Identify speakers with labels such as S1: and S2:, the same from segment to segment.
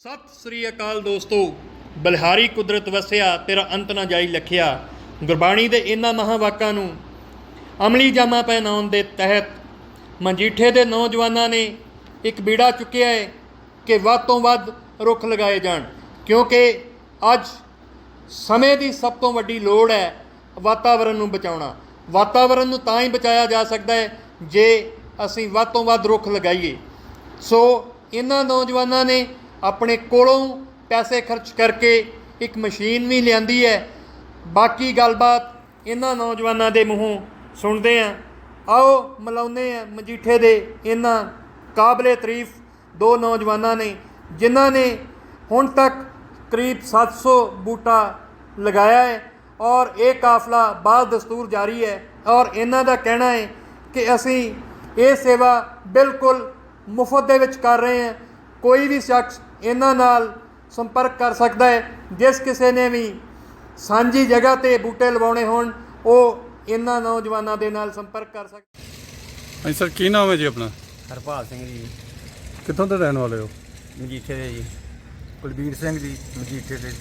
S1: ਸਤਿ ਸ੍ਰੀ ਅਕਾਲ ਦੋਸਤੋ। ਬਲਿਹਾਰੀ ਕੁਦਰਤ ਵਸਿਆ ਤੇਰਾ ਅੰਤ ਨਾ ਜਾਈ ਲਖਿਆ। ਗੁਰਬਾਣੀ ਦੇ ਇਹਨਾਂ ਮਹਾਂਵਾਕਾਂ ਨੂੰ ਅਮਲੀ ਜਾਮਾ ਪਹਿਨਾਉਣ ਦੇ ਤਹਿਤ ਮਜੀਠੇ ਦੇ ਨੌਜਵਾਨਾਂ ਨੇ ਇੱਕ ਬੀੜਾ ਚੁੱਕਿਆ ਹੈ ਕਿ ਵੱਧ ਤੋਂ ਵੱਧ ਰੁੱਖ ਲਗਾਏ ਜਾਣ, ਕਿਉਂਕਿ ਅੱਜ ਸਮੇਂ ਦੀ ਸਭ ਤੋਂ ਵੱਡੀ ਲੋੜ ਹੈ ਵਾਤਾਵਰਨ ਨੂੰ ਬਚਾਉਣਾ। ਵਾਤਾਵਰਨ ਨੂੰ ਤਾਂ ਹੀ ਬਚਾਇਆ ਜਾ ਸਕਦਾ ਹੈ ਜੇ ਅਸੀਂ ਵੱਧ ਤੋਂ ਵੱਧ ਰੁੱਖ ਲਗਾਈਏ। ਸੋ ਇਹਨਾਂ ਨੌਜਵਾਨਾਂ ਨੇ ਆਪਣੇ ਕੋਲੋਂ ਪੈਸੇ ਖਰਚ ਕਰਕੇ ਇੱਕ ਮਸ਼ੀਨ ਵੀ ਲਿਆਂਦੀ ਹੈ। ਬਾਕੀ ਗੱਲਬਾਤ ਇਹਨਾਂ ਨੌਜਵਾਨਾਂ ਦੇ ਮੂੰਹੋਂ ਸੁਣਦੇ ਹਾਂ। ਆਓ ਮਿਲਾਉਂਦੇ ਹਾਂ ਮਜੀਠੇ ਦੇ ਇਹਨਾਂ ਕਾਬਲੇ ਤਾਰੀਫ ਦੋ ਨੌਜਵਾਨਾਂ ਨੇ ਜਿਨ੍ਹਾਂ ਨੇ ਹੁਣ ਤੱਕ ਕਰੀਬ 700 ਬੂਟਾ ਲਗਾਇਆ ਹੈ ਔਰ ਇਹ ਕਾਫਲਾ ਬਾਦ ਦਸਤੂਰ ਜਾਰੀ ਹੈ। ਔਰ ਇਹਨਾਂ ਦਾ ਕਹਿਣਾ ਹੈ ਕਿ ਅਸੀਂ ਇਹ ਸੇਵਾ ਬਿਲਕੁਲ ਮੁਫਤ ਦੇ ਵਿੱਚ ਕਰ ਰਹੇ ਹਾਂ। ਕੋਈ ਵੀ ਸ਼ਖਸ ਇਹਨਾਂ ਨਾਲ ਸੰਪਰਕ ਕਰ ਸਕਦਾ ਹੈ। ਜਿਸ ਕਿਸੇ ਨੇ ਵੀ ਸਾਂਝੀ ਜਗ੍ਹਾ 'ਤੇ ਬੂਟੇ ਲਵਾਉਣੇ ਹੋਣ ਉਹ ਇਹਨਾਂ ਨੌਜਵਾਨਾਂ ਦੇ ਨਾਲ ਸੰਪਰਕ ਕਰ ਸਕਦਾ।
S2: ਹਾਂਜੀ ਸਰ, ਕੀ ਨਾਮ ਹੈ ਜੀ ਆਪਣਾ?
S3: ਹਰਪਾਲ ਸਿੰਘ ਜੀ,
S2: ਕਿੱਥੋਂ ਦੇ ਰਹਿਣ ਵਾਲੇ ਹੋ?
S3: ਮਜੀਠੇ ਦੇ ਜੀ। ਕੁਲਬੀਰ ਸਿੰਘ ਜੀ, ਮਜੀਠੇ ਦੇ।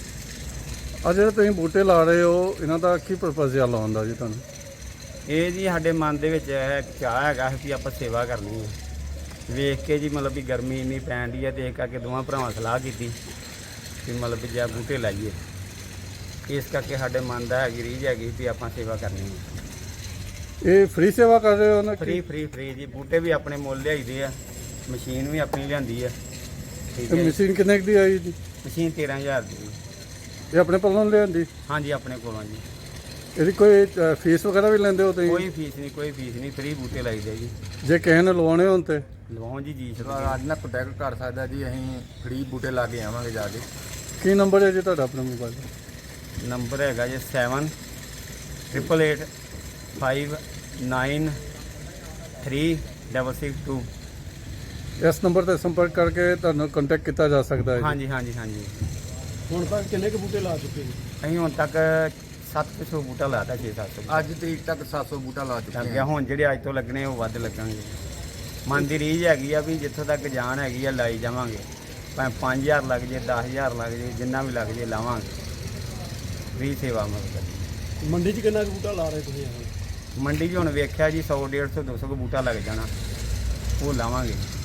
S2: ਆ ਜਿਹੜੇ ਤੁਸੀਂ ਬੂਟੇ ਲਾ ਰਹੇ ਹੋ ਇਹਨਾਂ ਦਾ ਕੀ ਪਰਪਸ ਆ ਲਾਉਣ ਦਾ ਜੀ ਤੁਹਾਨੂੰ?
S3: ਇਹ ਜੀ ਸਾਡੇ ਮਨ ਦੇ ਵਿੱਚ ਇਹ ਚਾਹ ਹੈਗਾ ਵੀ ਆਪਾਂ ਸੇਵਾ ਕਰਨੀ ਹੈ। ਵੇਖ ਕੇ ਜੀ ਮਤਲਬ ਵੀ ਗਰਮੀ ਇੰਨੀ ਪੈਣ ਦੀ ਹੈ ਤੇ ਇਸ ਕਰਕੇ ਦੋਵਾਂ ਭਰਾਵਾਂ ਸਲਾਹ ਕੀਤੀ ਕਿ ਮਤਲਬ ਵੀ ਜਾਂ ਬੂਟੇ ਲਾਈਏ। ਇਸ ਕਰਕੇ ਸਾਡੇ ਮਨ ਦਾ ਹੈਗੀ ਰੀਝ ਹੈਗੀ ਵੀ ਆਪਾਂ ਸੇਵਾ ਕਰਨੀ ਹੈ।
S2: ਇਹ ਫ੍ਰੀ ਸੇਵਾ ਕਰ ਰਹੇ ਹੋ ਨਾ?
S3: ਫ੍ਰੀ ਜੀ। ਬੂਟੇ ਵੀ ਆਪਣੇ ਮੁੱਲ ਲਿਆਈਦੇ ਆ, ਮਸ਼ੀਨ ਵੀ ਆਪਣੀ ਲਿਆਂਦੀ ਆ। ਠੀਕ ਹੈ।
S2: ਮਸ਼ੀਨ ਕਿੰਨੇ ਕੁ ਦੀ ਆਈ ਜੀ?
S3: ਮਸ਼ੀਨ 13,000 ਦੀ ਜੀ।
S2: ਇਹ ਆਪਣੇ ਕੋਲੋਂ ਲਿਆਂਦੀ?
S3: ਹਾਂਜੀ, ਆਪਣੇ ਕੋਲੋਂ ਜੀ।
S2: ਇਹਦੀ ਕੋਈ ਫੀਸ ਵਗੈਰਾ ਵੀ ਲੈਂਦੇ ਹੋ ਤੁਸੀਂ?
S3: ਕੋਈ ਫੀਸ ਨਹੀਂ, ਫ੍ਰੀ ਬੂਟੇ ਲਾਈਦੇ ਜੀ।
S2: ਜੇ ਕਿਸੇ ਨੇ ਲਵਾਉਣੇ ਹੋਣ ਤੇ
S3: ਲਵਾਉਣ ਜੀ
S4: ਅੱਜ ਨਾ ਕੰਟੈਕਟ ਕਰ ਸਕਦਾ ਜੀ। ਅਸੀਂ ਫ੍ਰੀ ਬੂਟੇ ਲਾ ਕੇ ਆਵਾਂਗੇ ਜਾ ਕੇ।
S2: ਕੀ ਨੰਬਰ ਹੈ ਜੀ ਤੁਹਾਡਾ ਆਪਣਾ ਮੋਬਾਈਲ?
S3: ਨੰਬਰ ਹੈਗਾ ਜੀ 7888593662।
S2: ਇਸ ਨੰਬਰ ਤੇ ਸੰਪਰਕ ਕਰਕੇ ਤੁਹਾਨੂੰ ਕੰਟੈਕਟ ਕੀਤਾ ਜਾ ਸਕਦਾ ਹੈ ਜੀ।
S3: ਹਾਂਜੀ।
S2: ਹੁਣ ਤੱਕ ਕਿੰਨੇ ਕੁ ਬੂਟੇ ਲਾ ਚੁੱਕੇ ਜੀ?
S3: ਅਸੀਂ ਹੁਣ ਤੱਕ 700 ਬੂਟਾ ਲਾਤਾ, 6-700
S4: ਅੱਜ ਤਰੀਕ ਤੱਕ 700 ਬੂਟਾ ਲਾ ਚੁੱਕੇ
S3: ਲੱਗ ਗਿਆ। ਹੁਣ ਜਿਹੜੇ ਅੱਜ ਤੋਂ ਲੱਗਣੇ ਉਹ ਵੱਧ ਲੱਗਣਗੇ। ਮਨ ਦੀ ਰੀਝ ਹੈਗੀ ਆ ਵੀ ਜਿੱਥੋਂ ਤੱਕ ਜਾਨ ਹੈਗੀ ਆ ਲਾਈ ਜਾਵਾਂਗੇ। ਭਾਵੇਂ 5,000 ਲੱਗ ਜੇ, 10,000 ਲੱਗ ਜੇ, ਜਿੰਨਾ ਵੀ ਲੱਗ ਜੇ ਲਾਵਾਂਗੇ। ਫ੍ਰੀ ਸੇਵਾ ਮਤਲਬ।
S2: ਮੰਡੀ 'ਚ ਕਿੰਨਾ ਕੁ ਬੂਟਾ ਲਾ ਰਹੇ ਤੁਸੀਂ?
S3: ਮੰਡੀ 'ਚ ਹੁਣ ਵੇਖਿਆ ਜੀ 100, 150, 200 ਬੂਟਾ ਲੱਗ ਜਾਣਾ, ਉਹ ਲਾਵਾਂਗੇ।